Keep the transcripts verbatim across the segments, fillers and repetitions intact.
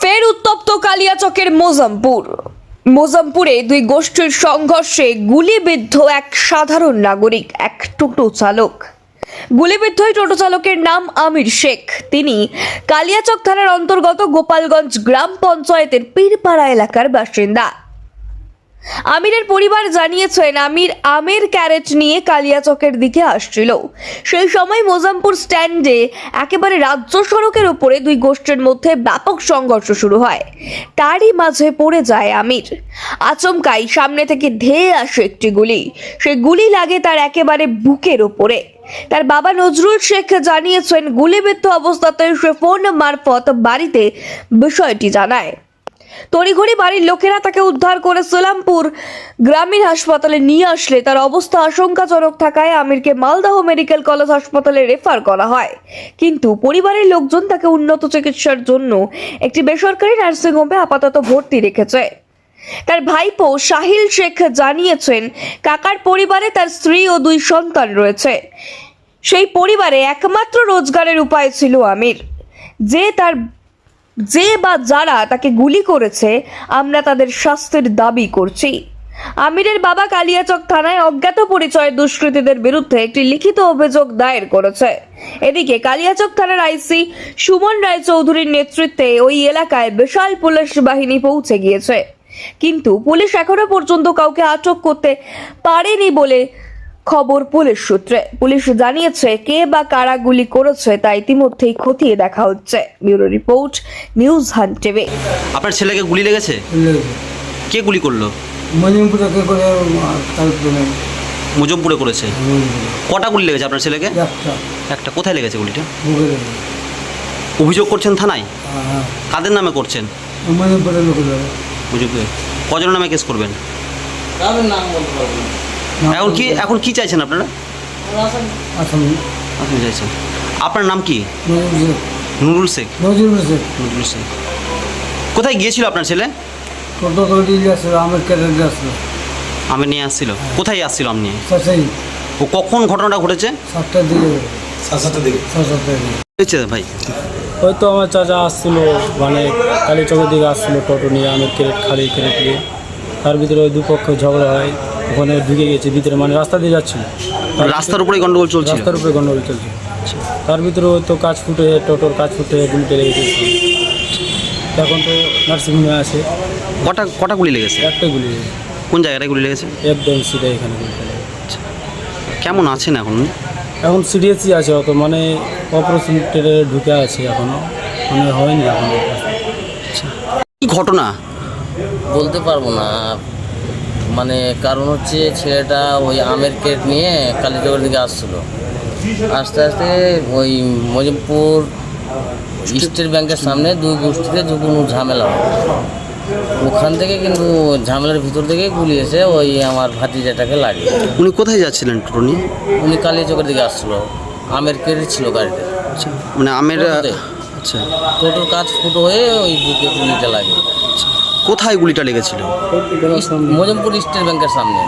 ফের উত্তপ্ত কালিয়াচকের মোজামপুর। মোজামপুরে দুই গোষ্ঠীর সংঘর্ষে গুলিবিদ্ধ এক সাধারণ নাগরিক, এক টোটো চালক। গুলিবিদ্ধ এই টোটো চালকের নাম আমির শেখ। তিনি কালিয়াচক থানার অন্তর্গত গোপালগঞ্জ গ্রাম পঞ্চায়েতের পীরপাড়া এলাকার বাসিন্দা। আমিরের পরিবার জানিয়েছেন, আমির আমের ক্যারেট নিয়ে কালিয়াচকের দিকে আসছিল। সেই সময় মোজামপুর স্ট্যান্ডে একেবারে রাজ্য সড়কের উপরে দুই গোষ্ঠীর মধ্যে ব্যাপক সংঘর্ষ শুরু হয়। তারই মাঝে পড়ে যায় আমির। আচমকাই সামনে থেকে ধেয়ে আসে একটি গুলি। সেই গুলি লাগে তার একেবারে বুকের উপরে। তার বাবা নজরুল শেখ জানিয়েছেন, গুলিবিদ্ধ অবস্থাতে সে ফোন মারফত বাড়িতে বিষয়টি জানায়। তড়িঘড়ি বাড়ির লোকেরা তাকে উদ্ধার করে সোলামপুর গ্রামীণ হাসপাতালে নিয়ে আসলে তার অবস্থা আশঙ্কাজনক থাকায় আমিরকে মালদহ মেডিকেল কলেজ হাসপাতালে রেফার করা হয়। কিন্তু পরিবারের লোকজন তাকে উন্নত চিকিৎসার জন্য একটি বেসরকারি নার্সিংহোমে আপাতত ভর্তি রেখেছে। তার ভাইপো সাহিল শেখ জানিয়েছেন, কাকার পরিবারে তার স্ত্রী ও দুই সন্তান রয়েছে। সেই পরিবারে একমাত্র রোজগারের উপায় ছিল আমির। যে তার যে বা যারা তাকে গুলি করেছে, আমরা তাদের শাস্তির দাবি করছি। আমিরের বাবা কালিয়াচক থানায় অজ্ঞাত পরিচয় দুষ্কৃতীদের বিরুদ্ধে একটি লিখিত অভিযোগ দায়ের করেছে। এদিকে কালিয়াচক থানার আইসি সুমন রায়চৌধুরীর নেতৃত্বে ওই এলাকায় বিশাল পুলিশ বাহিনী পৌঁছে গিয়েছে, কিন্তু পুলিশ এখনো পর্যন্ত কাউকে আটক করতে পারেনি বলে খবর পুলিশ সূত্রে। পুলিশ জানিয়েছে, কে বা কারা গুলি করেছে তা ইতিমধ্যেই খতিয়ে দেখা হচ্ছে। Bureau report, news hunt TV. আপনার ছেলেকে গুলি লেগেছে? কে গুলি করলো? মজিমপুরে কে করে তারপরে মুজফপুরে করেছে। কটা গুলি লেগেছে আপনার ছেলেকে? একটা একটা। কোথায় লেগেছে গুলিটা? বুকে লেগে। অভিযোগ করছেন থানায়? হ্যাঁ, কাদের নামে করছেন? মজিমপুরে লোক লাগে। মুজফপুরে কজনের নামে কেস করবেন? কারোর নাম বলতে পারবো না। এখন কি এখন কি চাইছেন আপনারা? আসামি আপনি চাইছেন। আপনার নাম কি? নজরুল শেখ। নুরুল শেখ। নজরুল শেখ। নুরুল শেখ। কোথায় গিয়েছিল আপনার ছেলে? টোটো করে দিয়ে আসছিল, আমার কেটে দিয়ে আসলো। আমি নিয়ে আসছিল। কোথায় আসছিল আপনি? সাসাই ও কখন ঘটনাটা ঘটেছে? সাতটার দিকে। সাড়ে সাতটার দিকে সাড়ে সাতটার দিকে হয়েছে ভাই? হয়তো আমার চাচা আসছিল, মানে কালীচকের দিকে আসছিল টোটো নিয়ে, আমি ক্রেট খালি ক্রেট নিয়ে। তার ভিতরে ওই দুপক্ষ ঝগড়া হয়, ওখানে ঢুকে গেছে ভিতরে, মানে রাস্তা দিয়ে যাচ্ছিল। রাস্তার উপরে গন্ডগোল চলছে? রাস্তার উপরে গন্ডগোল চলছে। তার ভিতরে তো কাজ ফুটে, টোটোর কাজ ফুটে গুলিতে লেগেছে। এখন তো নার্সিংহোমে আছে। কটা কটা গুলি লেগেছে? একটাই গুলি লেগেছে। কোন জায়গাটায় গুলি লেগেছে? একদম সিধা এখানে গুলিটা লেগেছে। কেমন আছেন এখন? এখন সিরিয়াসই আছে, অত মানে অপারেশন টেরে ঢুকে আছে এখনও, মানে হয়নি এখন। কি ঘটনা? বলতে পারবো না, মানে কারণ হচ্ছে ছেলেটা ওই আমের কেট নিয়ে কালীচকের দিকে আসছিল। আস্তে আস্তে ওই মজিমপুর স্টেট ব্যাংকের সামনে দুই গোষ্ঠীতে যখন ঝামেলা হয়, ওখান থেকে কিন্তু ঝামেলার ভিতর থেকে গুলি এসে ওই আমার ভাতিজাটাকে লাগে। উনি কোথায় যাচ্ছিলেন টোটো নিয়ে? উনি কালীচকের দিকে আসছিল, আমের কেট ছিল গাড়িতে। আচ্ছা, মানে আমের। টোটোতে। আচ্ছা, টোটোর কাজ ফুটো হয়ে ওই বুকে গুলিটা লাগে। কোথায় গুলিটা লেগেছিল? মজিমপুর স্টেট ব্যাংকের সামনে।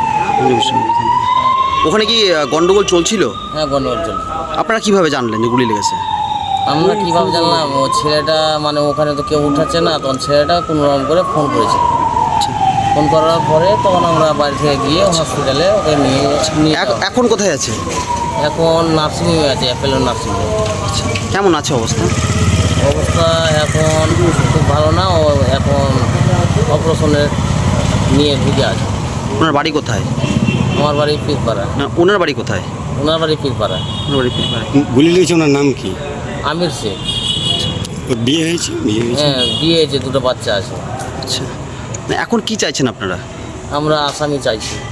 ওখানে কি আহ, গন্ডগোল চলছিল? হ্যাঁ, গন্ডগোল চলছে। আপনারা কিভাবে জানলেন যে গুলি লেগেছে? আমরা কীভাবে জানলাম, ও ছেলেটা মানে ওখানে তো কেউ উঠাচ্ছে না, তখন ছেলেটা কোনো রকম করে ফোন করেছে। ফোন করার পরে তখন আমরা বাড়ি থেকে গিয়ে হসপিটালে ওকে নিয়ে নিয়ে এখ- যাওয়া। এখন কোথায় আছে? এখন নার্সিংহোমে আছে, অ্যাপেলো নার্সিংহোম। কেমন আছে অবস্থা? অবস্থা এখন খুব ভালো না, ও এখন অপারেশনের নিয়ে ঢুকে আছে। ওনার বাড়ি কোথায়? আমার বাড়ি পীরপাড়া। না, ওনার বাড়ি কোথায়? ওনার বাড়ি পীরপাড়া। ওনার বাড়ি পীরপাড়ায়। গুলি লেগেছে। ওনার নাম কি? আমির শেখ। ওর বিয়ে হয়েছে? বিয়ে হয়েছে। হ্যাঁ, বিয়ে হয়েছে, দুটো বাচ্চা আছে। আচ্ছা, না, এখন কি চাইছেন আপনারা? আমরা আসামি চাইছি।